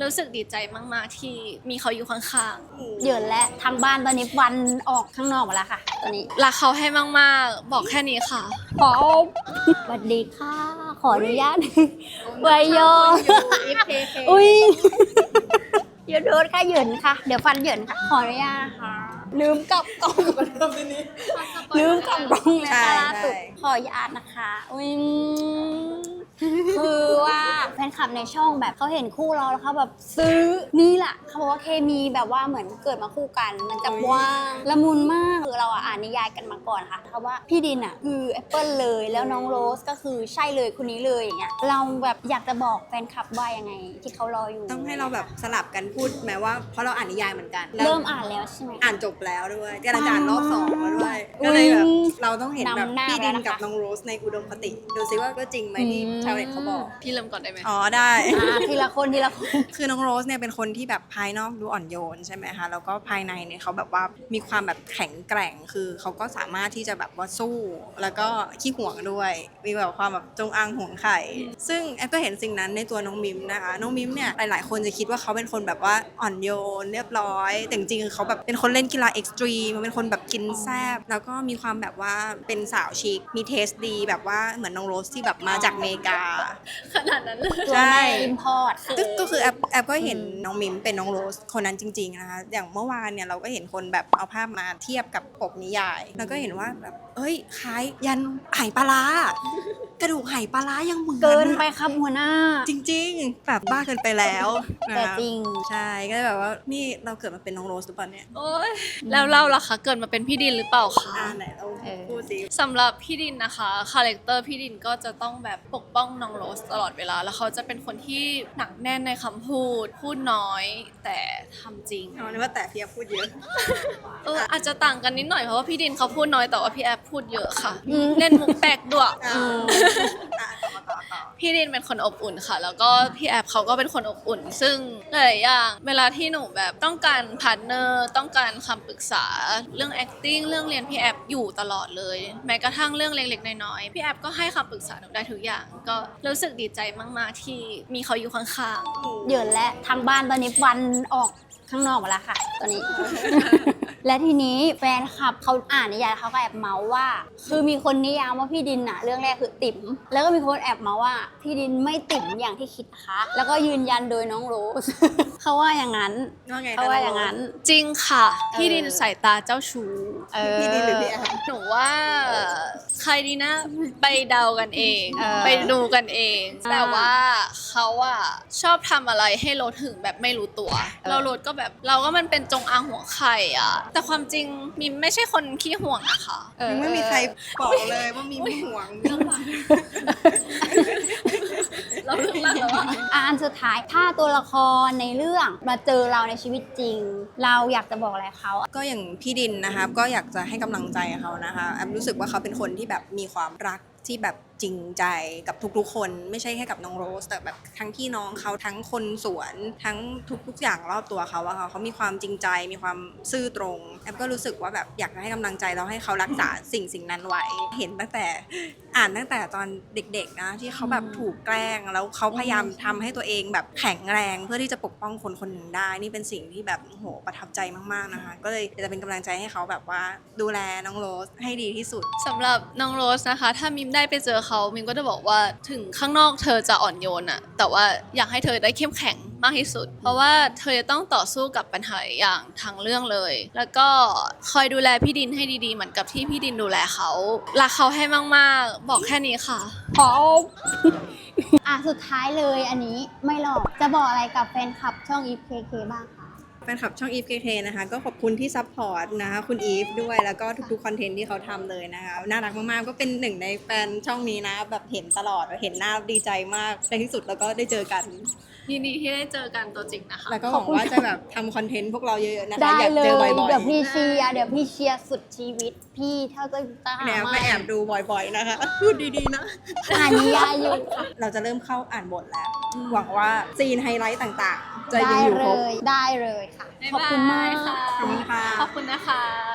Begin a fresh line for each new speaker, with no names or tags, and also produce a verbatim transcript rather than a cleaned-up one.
รู้สึกดีใจมากๆที่มีเขาอยู่ข้าง
ๆเหยินและทางบ้านตอนนี้วันออกข้างนอกหมดแล้วค่ะตอนนี้
ๆรักเขาให้มากๆบอกแค่นี้ค่ะ
ขอสวัสดีค่ะขออนุญาตไวโยอุ้ยอย่าโดนค่ะเหยินค่ะเดี๋ยวฟันเหยินค่ะขออนุญาตนะคะลืมกลับกล้องลืมกลับกล้องเลยค่ะล่าสุดขออนุญาตนะคะอุ้ยคือว่าแฟนคลับในช่องแบบเขาเห็นคู่เราแล้วเขาแบบซื้อนี่แหละเขาบอกว่าเคมีแบบว่าเหมือนเกิดมาคู่กันมันจะว่างละมุนมากคือเราอ่านนิยายกันมาก่อนค่ะเพราะว่าพี่ดินอ่ะคือแอปเปิลเลยแล้วน้องโรสก็คือใช่เลยคนนี้เลยอย่างเงี้ยเราแบบอยากจะบอกแฟนคลับว่ายังไงที่เขารออยู่
ต้องให้เราแบบสลับกันพูดแม้ว่าเพราะเราอ่านนิยายเหมือนกัน
เริ่มอ่านแล้วใช่ไหม
อ่านจบแล้วด้วยกำลังจะอ่านรอบสองแล้วด้วยก็เลยแบบเราต้องเห็นแบบพี่ดินกับน้องโรสในอุดมคติดูซิว่าก็จริงไหมที่ชาวเน็ตเขาบอก
พี่เริ่มก่อนได้ไหม
อ๋อได้
ทีละคนทีละคน
คือน้องโรสเนี่ยเป็นคนที่แบบภายนอกดูอ่อนโยนใช่ไหมคะแล้วก็ภายในเนี่ยเขาแบบว่ามีความแบบแข็งแกร่งคือเขาก็สามารถที่จะแบบว่าสู้แล้วก็ขี้ห่วงด้วยมีแบบความแบบจงอางห่วงไข่ซึ่งแอฟก็เห็นสิ่งนั้นในตัวน้องมิมนะคะน้องมิมเนี่ยหลายๆคนจะคิดว่าเขาเป็นคนแบบว่าอ่อนโยนเรียบร้อยแต่จริงๆเขาแบบเป็นคนเล่นกีฬาเอ็กซ์ตรีมเป็นคนแบบกินแซ่บแล้วก็มีความแบบว่าเป็นสาวชิคมีเทสดีแบบว่าเหมือนน้องโรสที่แบบมาจากอเมริกา
ขนาดนั้นเลย
ใช่อิมพอร์ต
ก็คือแอปแอปก็เห็นน้องมิมเป็นน้องโรสคนนั้นจริงๆนะคะอย่างเมื่อวานเนี่ยเราก็เห็นคนแบบเอาภาพมาเทียบกับปกนิยายแล้วก็เห็นว่าแบบเอ้ยคล้ายยันไหปลาร้ากระดูกไหปลาร้ายังเหมือน
เกินไปครับหัวหน้า
จริงๆแบบบ้าเกินไปแล้ว
แต่จริง
ใช่ก็แบบว่านี่เราเกิดมาเป็นน้องโรสหรือเปล่าเนี่ย
โอ๊ยแล้วเราล่ะคะเกิดมาเป็นพี่ดินหรือเปล่าคะ
อ่าไหนเราพูดสิ
สำหรับพี่ดินนะคะคาแรคเตอร์พี่ดินก็จะต้องแบบปกป้องน้องโรสตลอดเวลาแล้วเขาจะเป็นคนที่หนักแน่นในคำพูดพูดน้อยแต่ทำจริง
อ๋อนึกว่าแต่พี่แอฟพูดเยอะ
เอออาจจะต่างกันนิดหน่อยเพราะว่าพี่ดินเขาพูดน้อยแต่ว่าพี่แอฟพูดเยอะค่ะเล่นมุกแปลกด้วยพี่ดินเป็นคนอบอุ่นค่ะแล้วก็พี่แอฟเขาก็เป็นคนอบอุ่นซึ่งหลายอย่างเวลาที่หนูแบบต้องการพาร์ทเนอร์ต้องการคำปรึกษาเรื่อง acting เรื่องเรียนพี่แอฟอยู่ตลอดเลยแม้กระทั่งเรื่องเล็กๆน้อยๆพี่แอฟก็ให้คำปรึกษาหนูได้ทุกอย่างก็รู้สึกดีใจมากๆที่มีเขาอยู่ข้าง
ๆเหยินและทางบ้านตอนนี้วันออกข้างนอกหมดแล้วค่ะตอนนี้ และทีนี้แฟนคลับเขาอ่านนิยายเขาก็แอบเมาส์ว่าคือมีคนนิยามว่าพี่ดินอะเรื่องแรกคือติ๋มแล้วก็มีคนแอบเมาส์ว่าพี่ดินไม่ติ๋มอย่างที่คิดนะคะแล้วก็ยืนยันโดยน้องโรส เขาว่าอย่างนั้นเขาว่าอย่างนั้น
จริงค่ะพี่ดินสายตาเจ้าชู้
พี่ดินหรือพี่แอฟ
หนูว่าใครดีนะไปเดากันเองไปดูกันเองแต่ว่าเขาอะชอบทำอะไรให้โรสถึงแบบไม่รู้ตัวเราโรสก็แบบเราก็มันเป็นจงอางหัวไข่อะแต่ความจริงมิมไม่ใช่คนขี้ห่วงนะคะ
ยังไม่มีใครบอกเลยว่ามีไม่ห่วง
เราเลือกรักแล้วอะ
อันสุดท้ายถ้าตัวละครในเรื่องมาเจอเราในชีวิตจริงเราอยากจะบอกอะไรเขา
ก็อย่างพี่ดินนะคะก็อยากจะให้กำลังใจเขานะคะแอมรู้สึกว่าเขาเป็นคนที่แบบมีความรักที่แบบจริงใจกับทุกๆคนไม่ใช่แค่กับน้องโรสแต่แบบทั้งพี่น้องเขาทั้งคนสวนทั้งทุกๆอย่างรอบตัวเขาอะค่ะเขามีความจริงใจมีความซื่อตรงแอมก็รู้สึกว่าแบบอยากจะให้กำลังใจเราให้เขารักษาสิ่งสิ่งนั้นไว้เห็นตั้งแต่อ่านตั้งแต่ตอนเด็กๆนะที่เขาแบบถูกแกล้งแล้วเขาพยายามทำให้ตัวเองแบบแข็งแรงเพื่อที่จะปกป้องคนคนหนึ่งได้นี่เป็นสิ่งที่แบบโหประทับใจมากๆนะคะก็เลยจะเป็นกำลังใจให้เขาแบบว่าดูแลน้องโรสให้ดีที่สุด
สำหรับน้องโรสนะคะถ้ามิมได้ไปเจอเขามิมก็จะบอกว่าถึงข้างนอกเธอจะอ่อนโยนอะแต่ว่าอยากให้เธอได้เข้มแข็งมากที่สุดเพราะว่าเธอจะต้องต่อสู้กับปัญหาอย่างทั้งเรื่องเลยแล้วก็คอยดูแลพี่ดินให้ดีๆเหมือนกับที่พี่ดินดูแลเขารักเขาให้มากๆบอกแค่นี้ค่ะ
ขออ่ะสุดท้ายเลยอันนี้ไม่หรอกจะบอกอะไรกับแฟนคลับช่อง อี เค เค บ้างคะ
แฟนคลับช่อง อี เค เค นะคะก็ขอบคุณที่ซัพพอร์ตนะคะคุณอีฟด้วยแล้วก็ทุกๆคอนเทนต์ที่เขาทำเลยนะคะน่ารักมากๆก็เป็นหนึ่งในแฟนช่องนี้นะแบบเห็นตลอดเห็นหน้าดีใจมากในที่สุดแล้วก็ได้เจอกัน
ยินดีที่ได้เจอกันตัวจริงนะคะ
แล้วก็หวังว่าจะแบบทำคอนเทนต์พวกเราเยอะๆนะคะ
อยาก
เจอบ่อย
ๆเดี๋ยวพี่เชียร์เดี๋ยวพี่เชียร์สุดชีวิตพี่เท่าจะตาหา
แอบไปแอบดูบ่อยๆนะคะพูดดีๆนะ
อ่านนิยายอยู่
เราจะเริ่มเข้าอ่านบทแล้วหวังว่าซีนไฮไลท์ต่างๆจะยังอยู่ครบ
ได้เลยค่ะขอบคุณมาก
ค่ะ
ขอบคุณค่ะ
ขอบคุณนะคะ